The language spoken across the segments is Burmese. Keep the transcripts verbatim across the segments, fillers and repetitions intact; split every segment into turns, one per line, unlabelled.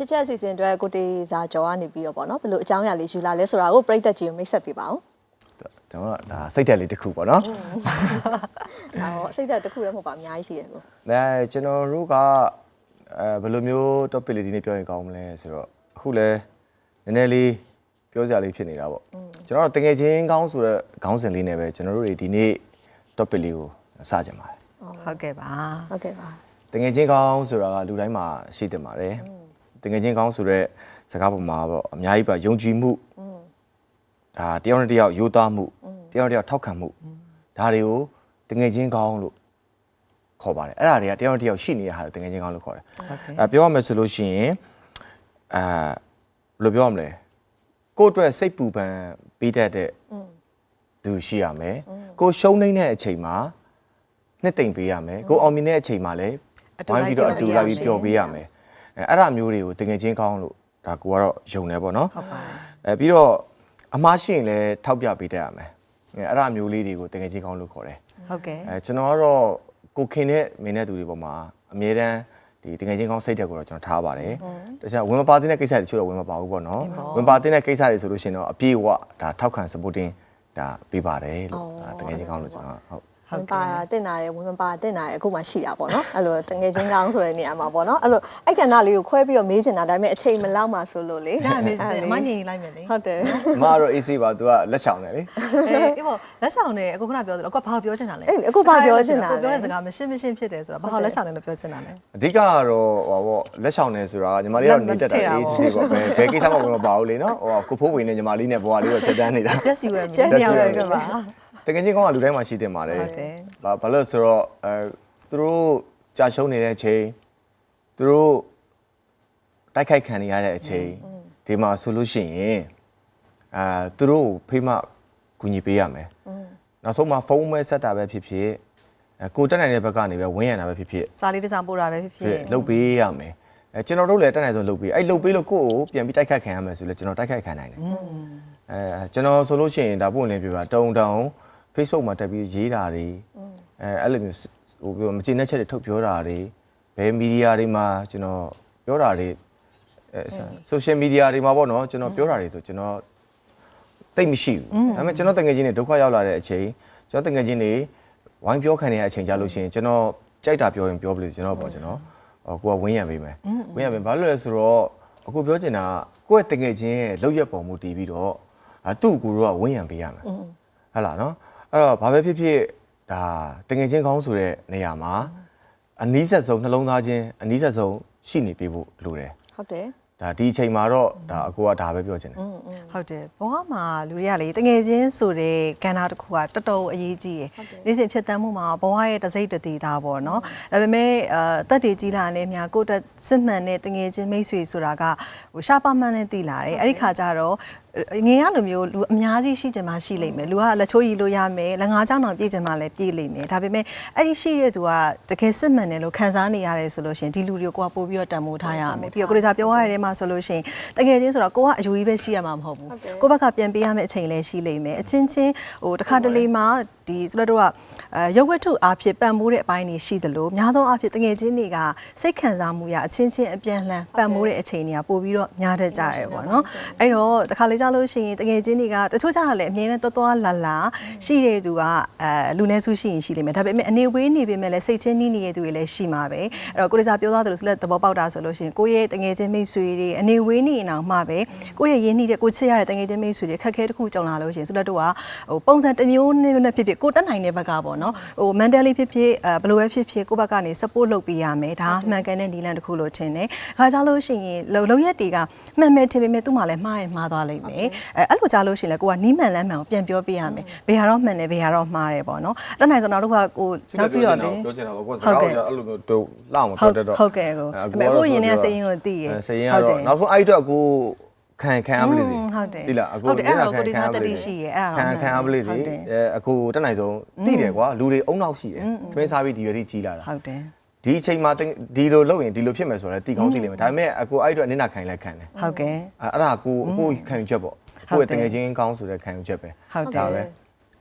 ချစ်ချက်အစီအစဉ်အတွက်ကိုတေစာကြောကနေပြီးတော့ပေါ့နော်ဘယ်လိုအကြောင်းအရာလေးယူလာလဲဆိုတာကိုပြိသက်ကြီးကိုမိတ်ဆက်ပေးပါဦး
ကျွန်တော်ဒါစိတ်တက်လေးတစ်ခုပေါ့နော်
ဟောစိတ်တက်တစ်ခုလည်းမဟုတ်ပါအများကြီးရှိတယ်ကို
အဲကျွန်တော်တို့ကအဲဘယ်လိုမျိုး topic လေးဒီနေ့ပြောရင်ကောင်းမလဲဆိုတော့အခုလဲနည်းနည်းလေးပြောစရာလေးဖြစ်နေတာပေါ့ကျွန်တော်တို့တကယ်ချင်းကောင်းဆိုတဲ့ခေါင်းစဉ်လေးနဲ့ပဲကျွန်တော်တို့တွေဒီနေ့ topic လေးကိုစကြင်ပါတယ်
ဟုတ်ကဲ့ပါ
ဟုတ်ကဲ့ပါ
တကယ်ချင်းကောင်းဆိုတာကလူတိုင်းမှာရှိတယ်ပါတယ်တကယ်ချင်းကောင်းဆိုတဲ့စကားပုံမှာပေါ့အများကြီးပါယုံကြည်မှုဒါတယောက်နဲ့တယောက်ယိုသားမှုတယောက်နဲ့တယောက်ထောက်ခံမှုဒါတွေကိုတကယ်ချင်းကောင်းလို့ခေါ်ပါတယ်အဲ့ဒါတွေကတယောက်နဲ့တယောက်ရှိနေတဲ့ဟာတွေတကယ်ချင်းကောင်းလို့ခေါ်တယ်အဲပြောရမယ်ဆိုလို့ရှိရင်အဲဘယ်လိုပြောရမလဲကိုယ့်အတွက်စိတ်ပူပန်ပေးတတ်တဲ့သူရှိရမယ်ကိုရှုံးနေတဲ့အချိန်မှာနှစ်သိမ့်ပေးရမယ်ကိုအောင်မြင်တဲ့အချိန်မှာလည်းဝိုင်းပြီးတော့အတူလိုက်ပြီးပျော်ပေးရမယ်အဲအဲ့ဒါမျိုးတွေကိုတကယ်ချင်းကောင်းလို့ဒါကိုကတော့ယုံတယ်ပေါ့နော်
ဟုတ်ပါ
အဲပြီးတော့အမှားရှိရင်လည်းထောက်ပြပေးတတ်ရမယ်အဲအဲ့ဒါမျိုးလေးတွေကိုတကယ်ချင်းကောင်းလို့ခေါ်တယ်
ဟုတ်ကဲ့
အဲကျွန်တော်ကတော့ကိုခင်တဲ့မင်းတဲ့သူတွေပေါ်မှာအမြဲတမ်းဒီတကယ်ချင်းကောင်းစိတ်တက်ကိုတော့ကျွန်တော်ထားပါတယ်တခြားဝင်မပါတဲ့ကိစ္စတွေချို့တော့ဝင်မပါဘူးပေါ့နော်ဝင်ပါတဲ့ကိစ္စတွေဆိုလို့ရှိရင်တော့အပြည့်အဝဒါထောက်ခံ supporting ဒါပေးပါတယ်လို့တကယ်ချင်းကောင်းလို့ကျွန်တော်ဟုတ်
ဝင်ပါတင်တာရယ်ဝင်မပါတင်တာရယ်အခုမှရှိတာပေါ့နော်အဲ့လိုတငယ်ချင်းကောင်းဆိုတဲ့နေရာမှာပေါ့နော်အဲ့လိုအဲ့ကဏ္ဍလေးကိုခွဲပြီးတော့မေးချင်တာဒါပေမဲ့အချိန်မလောက်မှဆိုလို့လေ
ဒါမေးစတယ်အမညင်လိုက်မယ်လေ
ဟုတ်တယ်
အမကတော့ easy ပါ तू ကလက်ချောင်တယ်လေ
အေးပေါ့လက်ချောင်တယ်အခုခဏပြောသလိုအခုဘာပြောချင်တာလဲ
အေးအခုဘာပြောချင်တာ
လဲပြောတဲ့စကားမရှင်းမရှင်းဖြစ်တယ်ဆိုတော့ဘာလက်ချောင်တယ်လို့ပြောချင်တာလဲ
အဓိကကတော့ဟောပေါ့လက်ချောင်တယ်ဆိုတာညီမလေးကတော့နေတတ်တာ easy ပေါ့ဘယ်ဘယ်ကိစ္စမှဝင်မပါဘူးလေနော်ဟောကိုဖိုးဝင်နေညီမလေးနဲ့ဘွားလေးကိုဖြတ်တန်းနေတာ
just you and me
just you and me ပါ
တကယ်ချင်းကောင်းကလူတိုင်းမှာရှိတင်ပါတယ်ဘာဘာလို့ဆိုတော့အဲသူတို့ကြာရှုံးနေတဲ့အချိန်သူတို့တိုက်ခိုက်ခံနေရတဲ့အချိန်ဒီမှာဆိုလို့ရှိရင်အာသူတို့ဖိမကူညီပေးရမယ်နောက်ဆုံးမှာဖုန်းမဲဆက်တာပဲဖြစ်ဖြစ်ကိုတက်နိုင်တဲ့ဘက်ကနေပဲဝင်းရံတာပဲဖြစ်ဖြစ်
စာလေးတစ်စောင်ပို့တာပဲဖြစ်ဖြစ်
လုပ်ပေးရမယ်အဲကျွန်တော်တို့လည်းတက်နိုင်ဆုံးလုပ်ပေးအဲ့လုပ်ပေးလို့ကိုယ့်ကိုပြန်ပြီးတိုက်ခိုက်ခံရမယ်ဆိုလဲကျွန်တော်တိုက်ခိုက်ခံနိုင်တယ်အဲကျွန်တော်ဆိုလို့ရှိရင်ဒါပို့နေပြပါတုံတုံFacebook မှာတက်ပြီးရေးတာတွေအဲအဲ့လိုမျိုးဟိုပြောမကျေနပ်ချက်တွေထုတ်ပြောတာတွေဘယ်မီဒီယာတွေမှာကျွန်တော်ပြောတာတွေအဲ social media တွေမှာပေါ့နော်ကျွန်တော်ပြောတာတွေဆိုကျွန်တော်တိတ်မရှိဘူးဒါပေမဲ့ကျွန်တော်တငယ်ချင်းတွေဒုက္ခရောက်လာတဲ့အချိန်ကျွန်တော်တငယ်ချင်းတွေဝိုင်းပြောခံနေတဲ့အချိန်ကြလို့ရှိရင်ကျွန်တော်ကြိုက်တာပြောရင်ပြောပလို့ကျွန်တော်ပေါ့ကျွန်တော်ကိုကဝင်းရံပေးမယ်ဝင်းရံပေးဘာလို့လဲဆိုတော့အခုပြောချင်တာကိုယ့်ရဲ့တငယ်ချင်းရဲ့လောက်ရက်ပုံမူတည်ပြီးတော့သူ့ကိုတော့ဝင်းရံပေးရမယ်ဟုတ်လားနော်အဲ့တော့ဘာပဲဖြစ်ဖြစ်ဒါတငယ်ချင်းကောင်းဆိုတဲ့နေရာမှာအနီးဆက်ဆုံးနှလုံးသားချင်းအနီးဆက်ဆုံးရှိနေပြီဖို့လိုတယ်
ဟုတ်တယ်
ဒါဒီအချိန်မှာတော့ဒါအကိုကဒါပဲပြောချင်တယ်
ဟုတ်တယ်ဘဝမှာလူတွေကလေတငယ်ချင်းဆိုတဲ့ကဏ္ဍတစ်ခုကတော်တော်အရေးကြီးရယ်နေ့စဉ်ဖြစ်တမ်းမှုမှာဘဝရဲ့တစိမ့်တသေးတာပေါ့နော်ဒါပေမဲ့အဲတက်တည်ကြီးလာတဲ့များကိုတက်စစ်မှန်တဲ့တငယ်ချင်းမိတ်ဆွေဆိုတာကဟိုရှားပါမှန်းနဲ့တည်လာတယ်အဲ့ဒီခါကျတော့ငင်ရလိုမျိုးလူအများကြီးရှိကြမှာရှိလိမ့်မယ်လူကလက်ချိုးရီလို့ရမယ်လက်ငါးချောင်းတောင်ပြည့်ကြမှာလည်းပြည့်လိမ့်မယ်ဒါပေမဲ့အဲ့ဒီရှိတဲ့သူကတကယ်စစ်မှန်တယ်လို့ခံစားနေရတယ်ဆိုလို့ရှင်ဒီလူတွေကိုကပို့ပြီးတော့တန်ဖိုးထားရမယ်ပြီးတော့ကိုရီစာပြောရတဲ့မှာဆိုလို့ရှင်တကယ်ချင်းဆိုတော့ကိုကအယူကြီးပဲရှိရမှာမဟုတ်ဘူးကိုဘက်ကပြန်ပေးရမယ့်အချိန်လည်းရှိလိမ့်မယ်အချင်းချင်းဟိုတစ်ခါတလေမှာဒီဆိုတော့ကအဲရုပ်ဝတ္ထုအားဖြင့်ပံ့ပိုးတဲ့အပိုင်းတွေရှိသလိုများသောအားဖြင့်တကယ်ချင်းတွေကစိတ်ခံစားမှုရအချင်းချင်းအပြန်လှန်ပံ့ပိုးတဲ့အချိန်တွေကပို့ပြီးတော့များတတ်ကြတယ်ပေါ့နော်အဲ့တော့တစ်ခါလေကြလို့ရှိရင်တကယ်ချင်းတွေကတချို့ကြတာလည်းအမြဲတမ်းတော်တော်လာလာရှိတဲ့သူကအဲလူနည်းစုရှိရင်ရှိလိမ့်မယ်ဒါပေမဲ့အနေဝေးနေပေမဲ့လည်းစိတ်ချင်းနှီးနေတဲ့သူတွေလည်းရှိမှာပဲအဲ့တော့ကိုရီစာပြောသွားသလိုဆိုလည်းသဘောပေါက်တာဆိုလို့ရှိရင်ကိုယ့်ရဲ့တကယ်ချင်းမိတ်ဆွေတွေအနေဝေးနေရင်တော့မှပဲကိုယ့်ရဲ့ရင်းနှီးတဲ့ကိုချစ်ရတဲ့တကယ်ချင်းမိတ်ဆွေတွေခက်ခဲတစ်ခုကြုံလာလို့ရှိရင်ဆိုလည်းတို့ကဟိုပုံစံတစ်မျိုးနဲ့ဖြစ်ဖြစ်ကိုတက်နိုင်တဲ့ဘက်ကပေါ့နော်ဟို mentally ဖြစ်ဖြစ်အဲဘယ်လိုပဲဖြစ်ဖြစ်ကိုယ့်ဘက်ကနေ support လုပ်ပေးရမယ်ဒါမှန်ကန်တဲ့နည်းလမ်းတစ်ခုလို့ထင်တယ်ခါကြလို့ရှိရင်လုံရက်တွေကမှန်မယ်ထင်ပေမဲ့သူ့မှာလည်းမှားရင်မှားသွားလိမ့်မယ်အဲအဲ့လိုကြားလို့ရှိရင်လည်းကိုကနီးမှန်လမ်းမှန်ကိုပြန်ပြောပေးရမယ်ဘယ်ဟာတော့မှန်တယ်ဘယ်ဟာတော့မှားတယ်ပေါ့နော်တက်နိုင်ဆိုတော့တို့ကကိုနောက်ပြီးတော့လေ
ပြောချင်တာပေါ့ကိုစကားကိုအဲ့လိုမျိုးတို့လောက်မပြောတတ်တော့
ဟုတ်ကဲ့ကိုအခုရင်ထဲစိတ်ရင်းကိုသိရ
စိတ်ရင်းကတော့နောက်ဆုံးအဲ့အတွက်ကိုခံခံအပလေးတွေ
ဟုတ်တယ်
ဒီလားအခု
ဒီလားခံခံအပလေးရှိရဲ့အဲ့ဒါ
ခံခံအပလေးတွေအဲအခုတက်နိုင်ဆုံးသိတယ်ကွာလူတွေအုံနောက်ရှိတယ်ခင်းစားပြီးဒီရွယ်ထိကြီးလာတာ
ဟုတ်တယ်
ဒီအချိန်မှာဒီလိုလုပ်ရင်ဒီလိုဖြစ်မယ်ဆိုတော့တီကောင်းသိလိမ့်မယ်ဒါပေမဲ့အခုအဲ့အတွက်နင်းနာခံလဲခံတယ်
ဟုတ်ကဲ့
အဲ့ဒါကိုအခုခံယူချက်ပေါ့ကိုယ့်ရဲ့တငယ်ချင်းကောင်းဆိုတဲ့ခံယူချက်ပဲ
ဟုတ်တယ်
ပဲ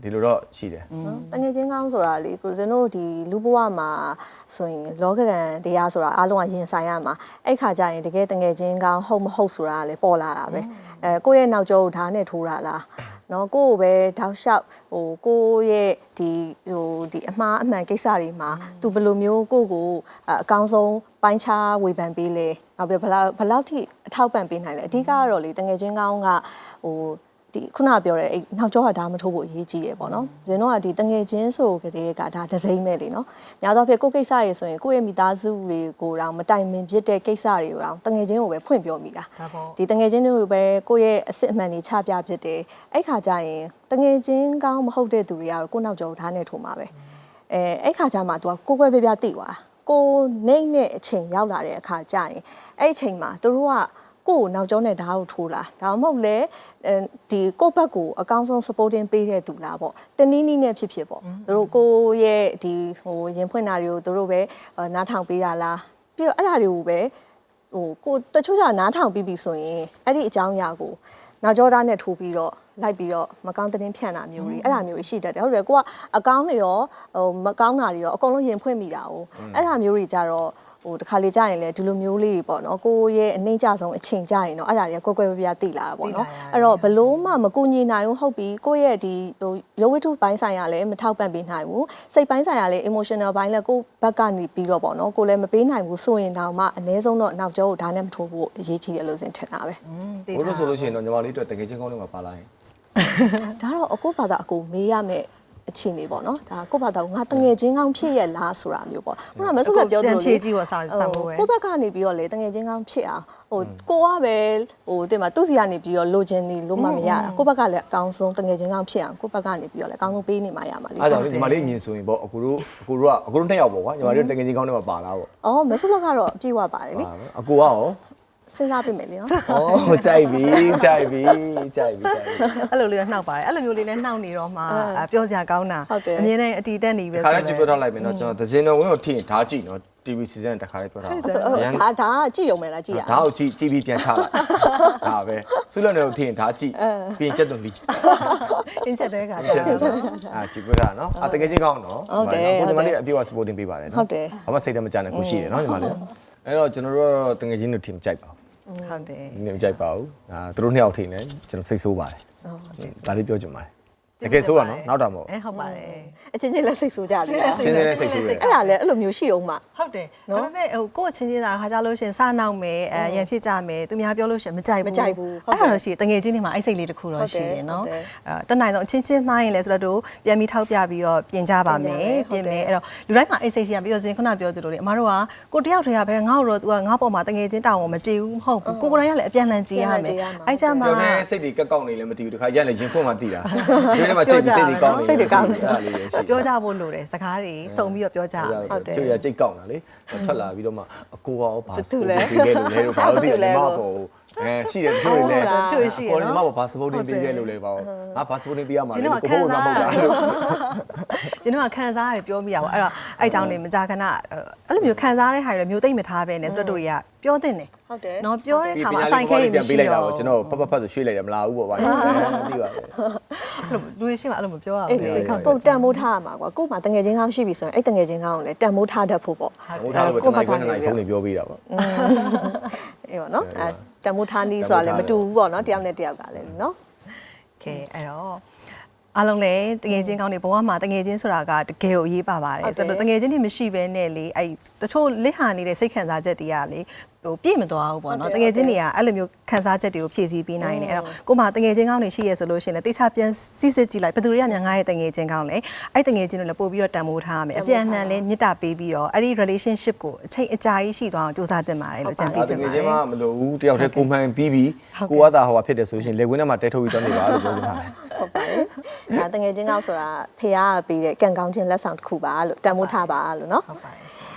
ဒီလိုတော့ရှိတယ်
နော်တငယ်ချင်းကောင်းဆိုတာလေကိုစင်တို့ဒီလူဘဝမှာဆိုရင်လောကရန်တရားဆိုတာအားလုံးကရင်ဆိုင်ရမှာအဲ့ခါကျရင်တကယ်တငယ်ချင်းကောင်းဟုတ်မဟုတ်ဆိုတာကလေပေါ်လာတာပဲအဲကိုယ့်ရဲ့နောက်ကျောကိုဓာတ်နဲ့ထိုးတာလားနော်ကိုယ့်ကိုပဲတောက်လျှောက်ဟိုကိုယ့်ရဲ့ဒီဟိုဒီအမှားအမှန်ကိစ္စတွေမှာသူဘယ်လိုမျိုးကိုယ့်ကိုအကောင်းဆုံးပိုင်းခြားဝေဖန်ပေးလဲနောက်ပြီးဘယ်လောက်ဘယ်လောက်ထိအထောက်ပံ့ပေးနိုင်လဲအဓိကကတော့လေတငယ်ချင်းကောင်းကဟိုဒီခုနပြောတဲ့အဲ့နောက်ကျောကဒါမထိုးဖို့အရေးကြီးတယ်ပေါ့နော်။ဇင်တို့ကဒီတငယ်ချင်းဆိုကြတဲ့ကဒါဒစိမ့်မဲ့လေနော်။များသောအားဖြင့်ကိုယ့်ကိစ္စရေဆိုရင်ကိုယ့်ရဲ့မိသားစုတွေကိုတော့မတိုင်ပင်ဖြစ်တဲ့ကိစ္စတွေကိုတော့တငယ်ချင်းကိုပဲဖွင့်ပြောမိတာ။ဒီတငယ်ချင်းတွေကိုပဲကိုယ့်ရဲ့အစစ်အမှန်တွေချပြဖြစ်တယ်။အဲ့ခါကျရင်တငယ်ချင်းကောင်းမဟုတ်တဲ့သူတွေကတော့ကိုယ့်နောက်ကျောထားနေထိုးမှာပဲ။အဲအဲ့ခါကျမှ तू ကကိုယ်ကွယ်ပြပြသိသွား။ကိုနေနဲ့အချိန်ရောက်လာတဲ့အခါကျရင်အဲ့အချိန်မှာသူတို့ကကိုနောက်ကျောနဲ့ဓာတ်ကိုထိုးလာဒါမှမဟုတ်လေဒီကိုဘက်ကိုအကောင်းဆုံး supporting ပေးတဲ့သူလားပေါ့တနည်းနည်းနဲ့ဖြစ်ဖြစ်ပေါ့သူတို့ကိုရဲ့ဒီဟိုရင်ဖွင့်တာတွေကိုသူတို့ပဲနားထောင်ပေးတာလားပြီးတော့အဲ့ဒါတွေကိုပဲဟိုကိုတချို့ကနားထောင်ပြီးပြီဆိုရင်အဲ့ဒီအကြောင်းအရာကိုနောက်ကျောသားနဲ့ထိုးပြီးတော့လိုက်ပြီးတော့မကောင်းတဲ့ဖြန့်တာမျိုးတွေအဲ့ဒါမျိုးတွေရှိတတ်တယ်ဟုတ်တယ်ကိုကအကောင်းတွေရောဟိုမကောင်းတာတွေရောအကုန်လုံးရင်ဖွင့်မိတာ哦အဲ့ဒါမျိုးတွေကြတော့ဟိုတခါလေကြာရင်လေဒီလိုမျိုးလေးပေါ့နော်ကိုရဲ့အနှိမ့်ကြဆုံးအချိန်ကြာရင်တော့အဲ့ဒါတွေကကွယ်ကွယ်ပြပြသိလာတာပေါ့နော်အဲ့တော့ဘလို့မှမကူညီနိုင်ဘူးဟုတ်ပြီကိုရဲ့ဒီဟိုရုပ်ဝတ္ထုပိုင်းဆိုင်ရာလည်းမထောက်ပံ့ပေးနိုင်ဘူးစိတ်ပိုင်းဆိုင်ရာလည်း emotional ဘိုင်းလည်းကိုဘက်ကနေပြီးတော့ပေါ့နော်ကိုလည်းမပေးနိုင်ဘူးဆိုရင်တော့မှအ ਨੇ ဆုံးတော့နောက်ကျောကိုဒါနဲ့မထိုးဖို့အရေးကြီးတယ်လို့စဉ်ထင်တာပဲ
ဘိုးတို့ဆိုလို့ရှိရင်တော့ညီမလေးတို့တကယ်ချင်းကောင်းတွေမှာပါလာရင်
ဒါတော့အကိုဘာသာအကိုမေးရမယ်အချင်းနေပေါ့နော်ဒါကိုဘာသာငါတငယ်ချင်းကောင်းဖြစ်ရဲ့လားဆိုတာမျိုးပေါ့ခုနကမဆုကပြောသလို
ဖြည့်ကြည့်ပါစာစာမိုးပဲ
ကိုဘက်ကနေပြီးတော့လေတငယ်ချင်းကောင်းဖြစ်အောင်ဟိုကိုကပဲဟိုတင်မှာသူ့စီကနေပြီးတော့လိုချင်နေလို့မှမရတာကိုဘက်ကလည်းအကောင်းဆုံးတငယ်ချင်းကောင်းဖြစ်အောင်ကိုဘက်ကနေပြီးတော့လည်းအကောင်းဆုံးပေးနေမှရမှာလေ
အဲ့ဒါကြောင့်ညီမလေးအမြင်ဆိုရင်ပေါ့အခုတို့အခုတို့ကအကူတို့နှစ်ယောက်ပေါ့ကွာညီမလေးတကယ်ချင်းကောင်းတွေမှာပါလာပေါ့
အော်မဆုကတော့အပြည့်ဝပါတယ်လေ
အကူကရော
စဉ်းစားပြမယ်လေနော်
ဩကြိုက်ပြီကြိုက်ပြီကြိုက်ပြီကြိုက်ပြီ
အဲ့လိုလေးတော့နှောက်ပါတယ်အဲ့လိုမျိုးလေးနဲ့နှောက်နေတော့မှပြောစရာကောင်းတာအမြင်နဲ့အတီတက်နေပဲ
ခါလေးကြည့်ပြတော့လိုက်မယ်နော်ကျွန်တော်သစင်းတော်ဝင်းကိုထိရင်ဓာတ်ကြည့်နော် တီဗီ season တခါလေးပြောတာ
ဒါဒါကြည့်ရုံပဲလားကြည့်ရ
ဒါကိုကြည့်ကြည့်ပြီးပြန်ချလိုက်ဒါပဲဆုလွန်တွေကိုထိရင်ဒါကြည့်ပြီးကျက်သွန်လီ
အင်းချက်တဲ့ခါ
ကျက်သွန်အာကြည့်ပြတာနော်အတကယ်ကြီးကောင်းနော်ကိုညီမလေးအပြည့်အဝ supporting ပေးပါတယ်နော်ဘာမှစိတ်ထဲမကြနဲ့ကိုရှိတယ်နော်ညီမလေးအဲ့တော့ကျွန်တော်တို့ကတော့တကယ်ကြီးတို့ team ကြိုက်ပါ
ဟုတ်တယ်
ဒီနေ့မကြိုက်ပါဘူးအာသူတို့နှစ်ယောက်ထိနေကျွန်တော်စိတ်ဆိုးပါတယ်ဒါလေးပြောချင်ပါတယ်တကယ်ဆိုးတာနော်နောက်တာမဟုတ်
အဲဟုတ်ပါတယ်
အချင်းချင်းလက်စိတ်ဆိုးကြတယ်
စင်းစင်းလေးစိတ်ဆိုးတယ်
အဲ့ဒါလည်းအဲ့လိုမျိုးရှိအောင်မှ
ဟုတ်တယ်ဒါပေမဲ့ဟိုကိုယ့်ချင်းချင်းသာခါကြလို့ရှင်စနောက်မယ်အဲရန်ဖြစ်ကြမယ်သူများပြောလို့ရှင်မကြိုက်ဘူးအဲ့ဒါတော့ရှိတငယ်ချင်းတွေမှာအဲ့စိတ်လေးတစ်ခုတော့ရှိတယ်နော်အဲတနိုင်တော့အချင်းချင်းမှားရင်လည်းဆိုတော့ပြန်ပြီးထောက်ပြပြီးတော့ပြင်ကြပါမယ်ပြင်မယ်အဲ့တော့လူတိုင်းမှာအဲ့စိတ်ရှိရပြီးတော့ဇင်ခုနပြောသလိုလေအမတို့ကကိုတယောက်တည်းကပဲငါ့တို့တော့ तू ကငါ့ပေါ်မှာတငယ်ချင်းတောင်းအောင်မကြည့်ဘူးမဟုတ်ဘူးကိုကိုယ်တိုင်ကလည်းအပြန်လှန်ကြည့်ရမယ်အဲ့ကြမှာ
ပြောနေစိတ်တွေကက်ကောက်နေလည်းမသိဘူးတခါရက်လည်းရင်ဖွင့်မှသိတာဒီနေ့မှာစိတ်စိတ်တွေကောင်းနေစိတ်တွေကောင်းနေဒါလေးရှိ
ပြောကြဖို့လိုတယ်စကားတွေစုံပြီးတော့ပြောကြရမယ်
ဟုတ်တယ်ကျိုးရကြိတ်ကောက်တာလေထွက်လာပြီးတော့မှအကိုရောဘာစပို့တင်ပေးခဲ့လို့လဲတော့ဘာလို့ဒီလဲမပေါ့အဲရှိတယ်သူတွေလည်းကိုယ်မပေါ့ဘာစပို့တင်ပေးခဲ့လို့လဲပေါ့ငါဘာစပို့တင်ပေးရမှာလဲကိုဘိုးကမဟုတ်တာလို့
ကျွန်တော်ကခံစားရတယ်ပြောမိရပါအဲ့တော့အဲ့ကြောင့်နေမကြခဏအဲ့လိုမျိုးခံစားရတဲ့ဟာတွေမျိုးသိမ့်မထားပဲနဲ့ဆိုတော့တို့တွေကပြောတင်တယ်
ဟုတ်တယ်
နော်ပြောတဲ့ခါမှာအဆိုင်ခဲတွေမရှိတော့
ကျွန်တော်ဖတ်ဖတ်ဖတ်ဆိုရွှေ့လိုက်တယ်မလာဘူးပေါ့ဗျာသိပါပဲ
အဲ့လိုလူတွေရှိမှအဲ့လိုမပြောရ
အေး
ဘူး
စိတ်ကပုံတန်မိုးထားရမှာကွာကို့မှာတငယ်ချင်းကောင်းရှိပြီဆိုရင်အဲ့တငယ်ချင်းကောင်းကိုလည်းတန်မိုးထားတတ်ဖို့ပေါ့
ဟိုထားလို့ကျွန်တော်ကနေဖုန်းနေပြောပေးတာပေါ့
အေးပေါ့နော်အဲတန်မိုးထားနီးဆိုတာလည်းမတူဘူးပေါ့နော်တယောက်နဲ့တယောက်ကလည်းနော်
ကဲအဲ့တော့အားလုံးလည်းတငယ်ချင်းကောင်းတွေဘဝမှာတငယ်ချင်းဆိုတာကတကယ်ကိုအရေးပါပါတယ်ဆိုတော့တငယ်ချင်းတွေမရှိဘဲနဲ့လေအဲ့တချို့လစ်ဟာနေတဲ့စိတ်ခံစားချက်တွေကလေဟိုပြည့်မသွားဘူးပေါ့နော်တငယ်ချင်းတွေကအဲ့လိုမျိုးခံစားချက်တွေကိုဖြည့်ဆည်းပေးနိုင်တယ်အဲ့တော့ကိုမတငယ်ချင်းကောင်းတွေရှိရဆိုလို့ရှိရင်လည်းတိကျပြန်စစ်စစ်ကြည့်လိုက်ဘယ်သူတွေကများငါရဲ့တငယ်ချင်းကောင်းလဲအဲ့တငယ်ချင်းတွေလည်းပို့ပြီးတော့တန်ဖိုးထားရမယ်အပြန်အလှန်လည်းမေတ္တာပေးပြီးတော့အဲ့ဒီ relationship ကိုအချိန်အကြာကြီးရှိသွားအောင်စူးစမ်းတင်ပါတယ်လို့ကြံပေးချင်
တ
ပါ
ကယ်
တ
ချင်း
ယ်
မှမလို့ဘူးတယောက်တည်းကိုမှန်ပြီးပြီးကိုကသာဟိုဟာဖြစ်တယ်ဆိုရှင်လေကွင်းထဲမှာတဲထုတ်ပြီးတော့နေပါလို့ပြောနေတာပဲ
ဟုတ်ပါတယ်ဒါတငယ်ချင်းကောင်းဆိုတာဖေကပေးတဲ့ကံကောင်းခြင်းလက်ဆောင်တစ်ခုပါလို့တန်မိုးထားပါလို့နော်
ဟုတ်ပါတယ်ရှင်